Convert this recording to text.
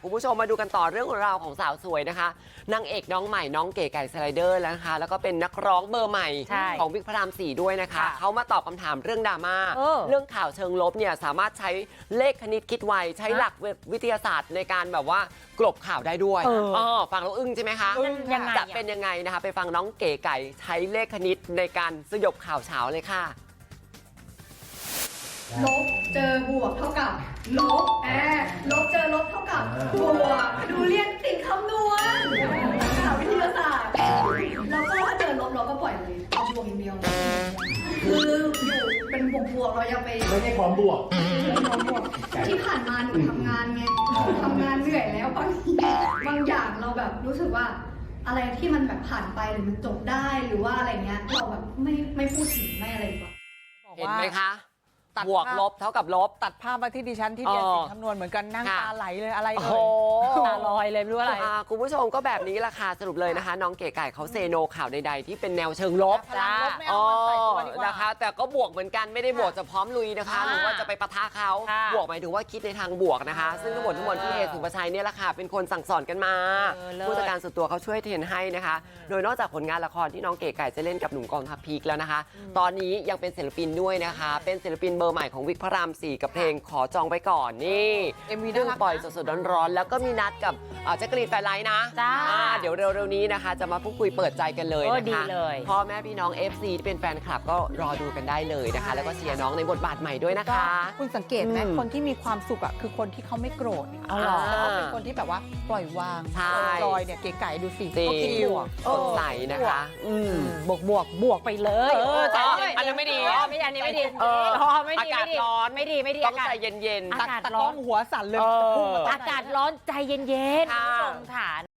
คุณผู้ชมมาดูกันต่อเรื่องราวของสาวสวยนะคะนางเอกน้องใหม่น้องเก๋ไก่สไลเดอร์แล้วนะคะแล้วก็เป็นนักร้องเบอร์ใหม่ของวิกพระราม4ด้วยนะคะเขามาตอบคำถามเรื่องดราม่าเรื่องข่าวเชิงลบเนี่ยสามารถใช้เลขคณิตคิดไวใช้หลักวิทยาศาสตร์ในการแบบว่ากลบข่าวได้ด้วยฟังแล้วอึ้งใช่ไหมคะจะเป็นยังไงนะคะไปฟังน้องเก๋ไก่ใช้เลขคณิตในการสยบข่าวเช้าเลยค่ะลบเจอบวกเท่ากับลบลบเจอลบเท่ากับบวกดูเรียนติดคำนวณข่าววิทยาศาสตร์แล้วก็ถ้าเจอลบเราก็ปล่อยเลยเอาบวกอย่างเดียวคืออยู่เป็นบวกเรายังไปไม่ใช่ความบวกที่ผ่านมาหนูทำงานไงทำงานเหนื่อยแล้วบางอย่างเราแบบรู้สึกว่าอะไรที่มันแบบผ่านไปหรือมันจบได้หรือว่าอะไรเงี้ยเราแบบไม่พูดถึงไม่อะไรดีกว่าเห็นไหมคะบวกลบเท่ากับลบตัดภาพมาที่ดิฉันที่เรียนสิ่งคำนวณเหมือนกันนั่งตาไหลเลยอะไรเลยตาลอยเลยไม่รู้อะไรคุณผู้ชมก็แบบนี้ละค่ะสรุปเลยนะคะน้องเก๋ไก่เขาเซโนข่าวใดๆที่เป็นแนวเชิงลบนะคะแต่ก็บวกเหมือนกันไม่ได้บวกจะพร้อมลุยนะคะหรือว่าจะไปปะทะเขาบวกหมายถึงว่าคิดในทางบวกนะคะซึ่งทั้งหมดพี่เอสุภชัยเนี่ยแหละค่ะเป็นคนสั่งสอนกันมาผู้จัดการส่วนตัวเขาช่วยเทรนให้นะคะโดยนอกจากผลงานละครที่น้องเก๋ไก่จะเล่นกับหนุ่มกองทัพพีคแล้วนะคะตอนนี้ยังเป็นศิลปินด้วยนะคะเป็นศิลปินเบอร์ใหม่ของวิกพระราม4กับเพลงขอจองไปก่อนนี่เรื่องปล่อยสดๆร้อนๆแล้วก็มีนัดกับแจ็คกะลีนแฟนไลน์นะเดี๋ยวเร็วๆนี้นะคะจะมาพูดคุยเปิดใจกันเลยนะคะพ่อแม่พี่น้อง FC ที่เป็นแฟนคลับก็รอดูกันได้เลยนะคะแล้วก็เชียร์น้องในบทบาทใหม่ด้วยนะคะคุณสังเกตไหมคนที่มีความสุขอ่ะคือคนที่เขาไม่โกรธแต่ว่าเป็นคนที่แบบว่าปล่อยวางจอยเนี่ยเก๋ไก่ดูสิก็คิดบวกสดใสนะคะบวกไปเลยอันนี้ไม่ดีอันนี้ไม่ดีอากาศร้อนไม่ดีต้องใจเย็นอากาศร้อนหัวสั่นเลยอากาศร้อนใจเย็นๆ